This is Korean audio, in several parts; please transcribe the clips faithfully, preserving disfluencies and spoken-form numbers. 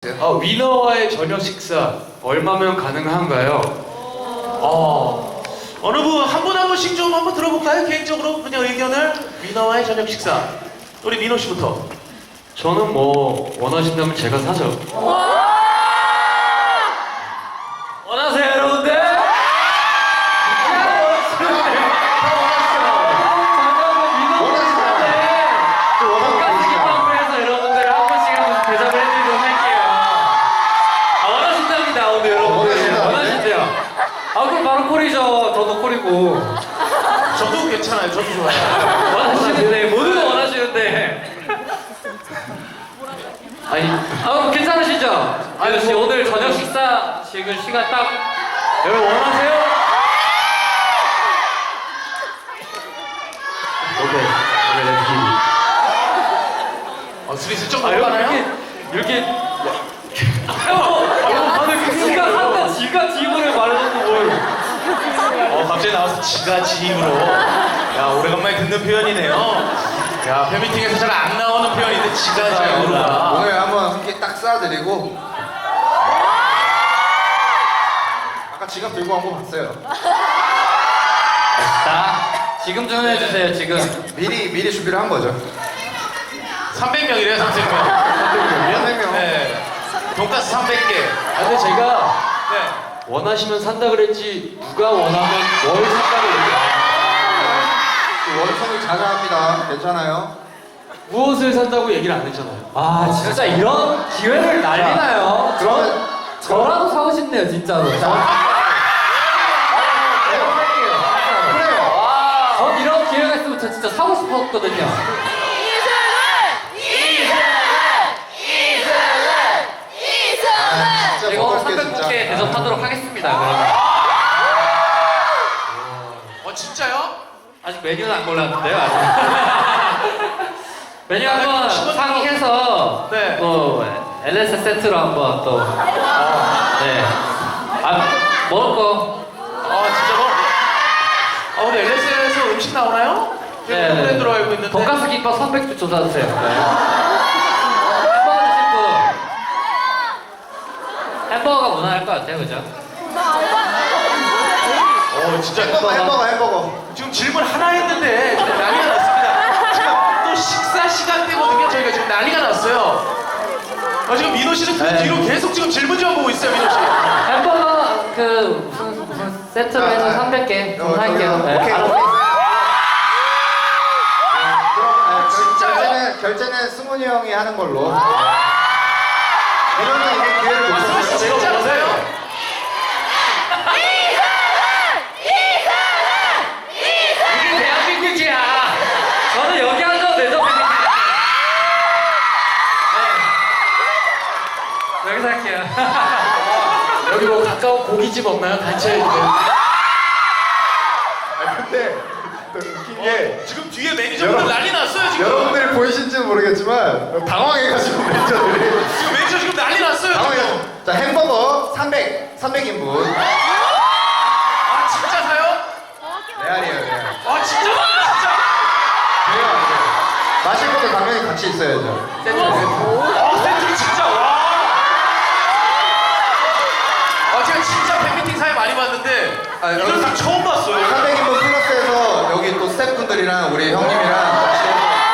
어, 위너와의 저녁 식사 얼마면 가능한가요? 어, 어느 분 한 분 한 분씩 좀 한번 들어볼까요? 개인적으로 그냥 의견을. 위너와의 저녁 식사. 우리 민호 씨부터. 저는 뭐 원하신다면 제가 사죠. 원하세요, 여러분들? 아 그럼 바로 콜이죠. 저도 콜이고. 저도 괜찮아요. 저도 좋아요. 원하시는데 모두가 원하시는데. 아니, 아 괜찮으시죠? 아유 씨 오늘 저녁 식사 지금 시간 딱 여러분 원하세요? 오케이, 오케이, 렛츠 기. 어, 스리스 좀 아 먹어가나요? 이렇게 이렇게. 아니 지가 한다 지가 지분을 말해줘도 뭘. 어, 갑자기 나와서 지가 지입으로. 야, 오래간만에 듣는 표현이네요. 야, 팬미팅에서 잘 안 나오는 표현인데 지가 지입으로. 오늘 한번 함께 딱 쏴드리고 아까 지갑 들고 한 거 봤어요. 자 지금 주문해주세요 지금. 미리 미리 준비를 한 거죠. 삼백 명이래요, 삼백 명. 삼백 명. 네. 돈가스 삼백 개. 아, 근데 제가 네. 원하시면 산다 그랬지 누가 원하면 뭘 산다고 얘기해요. 원성이 자자합니다. 괜찮아요. 무엇을 산다고 얘기를 안 했잖아요. 아 진짜 이런 기회를 날리나요? 그러면 저라도 사고 싶네요 진짜로. 그래요. 전 이런 기회가 있으면 저 진짜 사고 싶었거든요. 아, 진짜 이거 먹을게 삼백 진짜. 개 대접하도록 하겠습니다. 그러면. 어, 진짜요? 아직 메뉴는 안 골랐는데요. 아직. 메뉴 한번 상의해서 네. 또 엘에스 세트로 한번 또. 네. 아 먹을 거. 아, 진짜 뭐? 아, 우리 엘에스에서 음식 나오나요? 네. 지금 브랜드로 알고 있는데. 돈가스 김밥 삼백 주 쏟아주세요. 네. 햄버거 드실 분. 햄버거가 무난할 것 같아요, 그죠? 어, 진짜 햄버거 햄버거 햄버거. 지금 질문 하나 했는데 지금 난리가 났습니다. 지금 또 식사 시간대거든요. 저희가 지금 난리가 났어요. 아, 지금 민호 씨는 그 네. 뒤로 계속 지금 질문지만 보고 있어요, 민호 씨. 햄버거 그 무슨 무슨 세트로 해서 삼백 개 어, 주문할게요. 저기요. 네, 오케이. 알아서. 그럼 네, 진짜요? 결제는 결제는 승훈이 형이 하는 걸로. 이러면 이게 기회를 못 아, 승훈 씨 줬어요. 진짜 보세요. 이게 대한민국이야. 저는 여기 앉아도 되죠, 팬미팅. 네. 여기서 할게요. 여기 뭐 가까운 고깃집 없나요? 단체 있는. 아, 근데 또 웃긴 게 지금 뒤에 매니저분들 여러분, 난리 났어요, 지금. 여러분들이 보이신지는 모르겠지만 당황해가지고 매니저들이 지금 매니저 지금 난리 났어요, 당황해. 지금. 자 햄버거 삼백 삼백 인분. 아, 진짜 사요? 레알이에요 레알. 아, 진짜? 진짜? 돼요 안 돼요? 마실 것도 당연히 같이 있어야죠. 세트, 세트. 아, 세트 진짜, 와. 아, 제가 진짜 팬미팅 사회 많이 봤는데, 아, 이런 여기 사람 처음 봤어요. 삼백 인분 플러스해서 여기 또 스태프분들이랑 우리 형님이랑 같이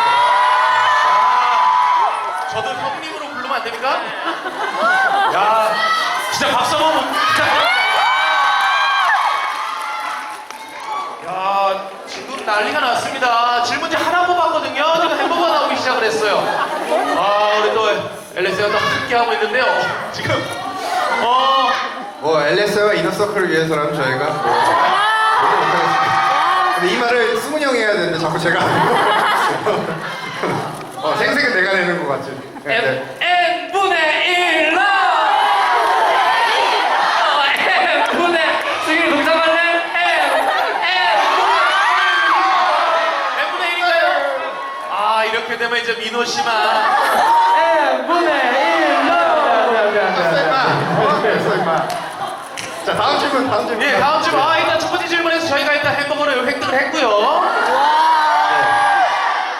저도 형님으로 부르면 안 됩니까? 야, 진짜 박수 한번 진짜. 야, 지금 난리가 났습니다. 질문지 하나 뽑았거든요. 지금 햄버거 나오기 시작을 했어요. 아, 우리 또 엘에스가 또 함께 하고 있는데요. 지금 어, 뭐 엘에스와 이너서클을 위해서라면 저희가 뭐 모두 못하겠습니다. 근데 이 말을 승훈이 형이 해야 되는데 자꾸 제가 하고 어, 생색은 내가 내는 것 같지. 네, 네. N분의 일로! N분의 지금 동작하는 N! 엠분의 일인가요? 아, 이렇게 되면 이제 민호 씨만. N분의 일로! 됐어 임마. 어? 됐어 임마. 자 다음 질문 다음 질문. 예, 다음 질문. 아, 일단 첫 번째 질문에서 저희가 일단 햄버거를 획득을 했고요.